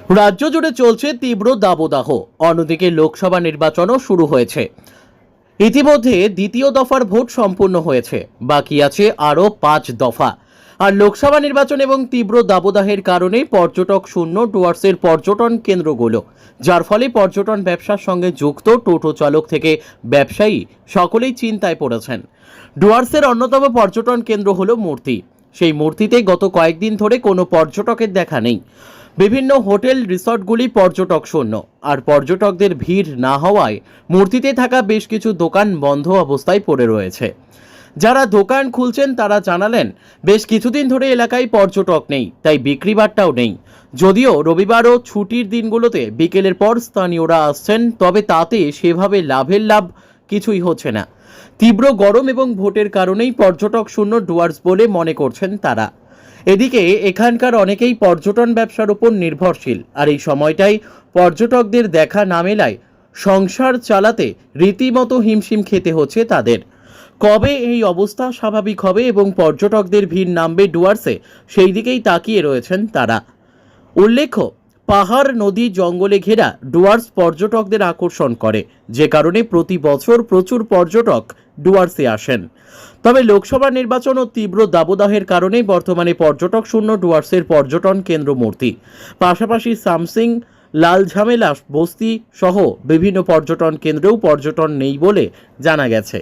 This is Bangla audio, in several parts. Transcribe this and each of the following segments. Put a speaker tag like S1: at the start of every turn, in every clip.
S1: রাজ্য জুড়ে চলছে তীব্র দাবদাহ। অন্যদিকে লোকসভা নির্বাচনও শুরু হয়েছে। ইতিমধ্যে দ্বিতীয় দফার ভোট সম্পূর্ণ হয়েছে, বাকি আছে আরও 5 দফা। আর লোকসভা নির্বাচন এবং তীব্র দাবদাহের কারণে পর্যটক শূন্য ডুয়ার্সের পর্যটন কেন্দ্রগুলো, যার ফলে পর্যটন ব্যবসার সঙ্গে যুক্ত টোটো চালক থেকে ব্যবসায়ী সকলেই চিন্তায় পড়েছেন। ডুয়ার্সের অন্যতম পর্যটন কেন্দ্র হলো মূর্তি। সেই মূর্তিতে গত কয়েকদিন ধরে কোনো পর্যটকের দেখা নেই। বিভিন্ন হোটেল রিসর্টগুলি পর্যটক শূন্য, আর পর্যটকদের ভিড় না হওয়ায় মূর্তিতে থাকা বেশ কিছু দোকান বন্ধ অবস্থায় পড়ে রয়েছে। যারা দোকান খুলছেন তারা জানালেন, বেশ কিছুদিন ধরে এলাকায় পর্যটক নেই, তাই বিক্রিবাট্টাও নেই। যদিও রবিবার ও ছুটির দিনগুলোতে বিকেলের পর স্থানীয়রা আসছেন, তবে তাতে সেভাবে লাভ কিছুই হচ্ছে না। তীব্র গরম এবং ভোটের কারণেই পর্যটক শূন্য ডুয়ার্স বলে মনে করছেন তারা। এদিকে এখানকার অনেকেই পর্যটন ব্যবসার উপর নির্ভরশীল, আর এই সময়টাই পর্যটকদের দেখা না মেলায় সংসার চালাতে রীতিমতো হিমশিম খেতে হচ্ছে তাদের। কবে এই অবস্থা স্বাভাবিক হবে এবং পর্যটকদের ভিড় নামবে ডুয়ার্সে, সেই দিকেই তাকিয়ে রয়েছেন তারা। উল্লেখ্য, পাহাড়, নদী, জঙ্গলে ঘেরা ডুয়ার্স পর্যটকদের আকর্ষণ করে, যে কারণে প্রতি বছর প্রচুর পর্যটক ডুয়ার্সে আসেন। তবে লোকসভা নির্বাচন ও তীব্র দাবদাহের কারণে বর্তমানে পর্যটক শূন্য ডুয়ার্সের পর্যটন কেন্দ্র মূর্তি। পাশাপাশি সামসিং, লাল ঝামেলা বস্তি সহ বিভিন্ন পর্যটন কেন্দ্রেও পর্যটন নেই বলে জানা গেছে।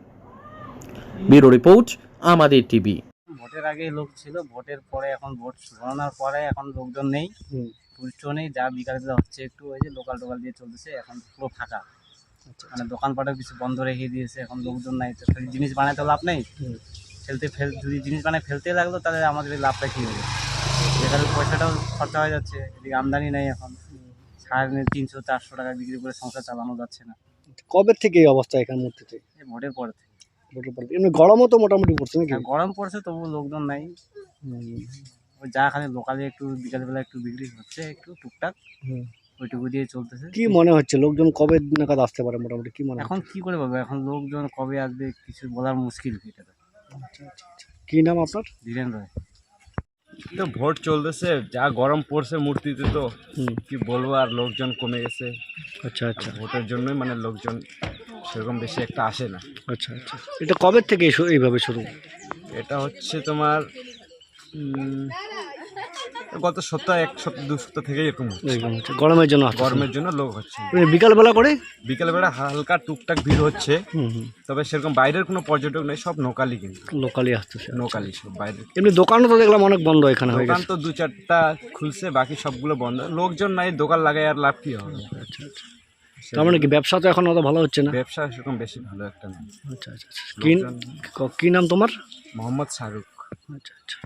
S1: ব্যুরো রিপোর্ট, আমাদের টিভি।
S2: ভোটের আগে লোক ছিল, ভোটের পরে এখন ভোট গণনার পরে এখন লোকজন নেই, টুরিস্টও নেই। যা বিকালে হচ্ছে একটু ওই যে লোকাল টোকাল দিয়ে চলতেছে, এখন পুরো ফাঁকা। মানে দোকানপাটের কিছু বন্ধ রেখে দিয়েছে, এখন লোকজন নাই। তো জিনিস বানাতে লাভ নেই, যদি জিনিস বানায় ফেলতে লাগলো তাহলে আমাদের লাভটা কী হবে? যেখানে পয়সাটাও খরচা হয়ে যাচ্ছে, এদিকে আমদানি নেই। এখন সারাদিনে 300-400 টাকা বিক্রি করে সংসার চালানো যাচ্ছে না।
S3: কবে থেকে এই অবস্থা এখানে মূর্তিতে?
S2: এই ভোটের পর থেকে।
S3: এমনি গরমও তো মোটামুটি পড়ছে নাকি?
S2: গরম পড়ছে, তবু লোকজন নাই। ওই যা খালি লোকালে একটু বিকালবেলা একটু বিক্রি হচ্ছে, একটু টুকটাক, ওইটুকু দিয়ে চলতেছে।
S3: কি মনে হচ্ছে লোকজন কবে নাগাদ আসতে পারে মোটামুটি, কি মনে
S2: এখন কি করে পাবো? এখন লোকজন কবে আসবে কিছু বলার মুশকিল। এটা
S3: কি নাম আপনার?
S2: ধীরেন রায়।
S4: তো ভোট চলতেছে, যা গরম পড়ছে মূর্তিতে, তো কি বলবো, আর লোকজন কমে গেছে।
S3: আচ্ছা আচ্ছা,
S4: ভোটের জন্যই মানে লোকজন সেরকম বেশি একটা আসে না।
S3: আচ্ছা আচ্ছা। এটা কবে থেকে এইভাবে শুরু?
S4: এটা হচ্ছে তোমার গত সপ্তাহ, 1 সপ্তাহ 2 সপ্তাহ থেকে এরকম হচ্ছে।
S3: গরমের জন্য আসছে?
S4: গরমের জন্য লোক হচ্ছে।
S3: বিকালবেলা করে
S4: বিকালবেলা হালকা টুকটাক ভিড় হচ্ছে, তবে সেরকম বাইরের কোনো পর্যটক নেই, সব লোকালই, কিন্তু
S3: লোকালি আসতেছে।
S4: লোকালই সব। বাইরে
S3: এমনি দোকানও তো দেখলাম অনেক বন্ধ এখানে হয়ে
S4: দোকান
S3: গেছে।
S4: তো 2-4টা খুলছে, বাকি সবগুলো বন্ধ। লোকজন নাই, দোকান লাগায় আর লাভ কি হবে?
S3: আচ্ছা আচ্ছা। তার মানে কি ব্যবসা তো এখন অত ভালো হচ্ছে না?
S4: ব্যবসা সেরকম বেশি ভালো একটা নেই।
S3: আচ্ছা আচ্ছা। কি নাম তোমার?
S4: মোহাম্মদ শাহরুখ।
S3: আচ্ছা আচ্ছা।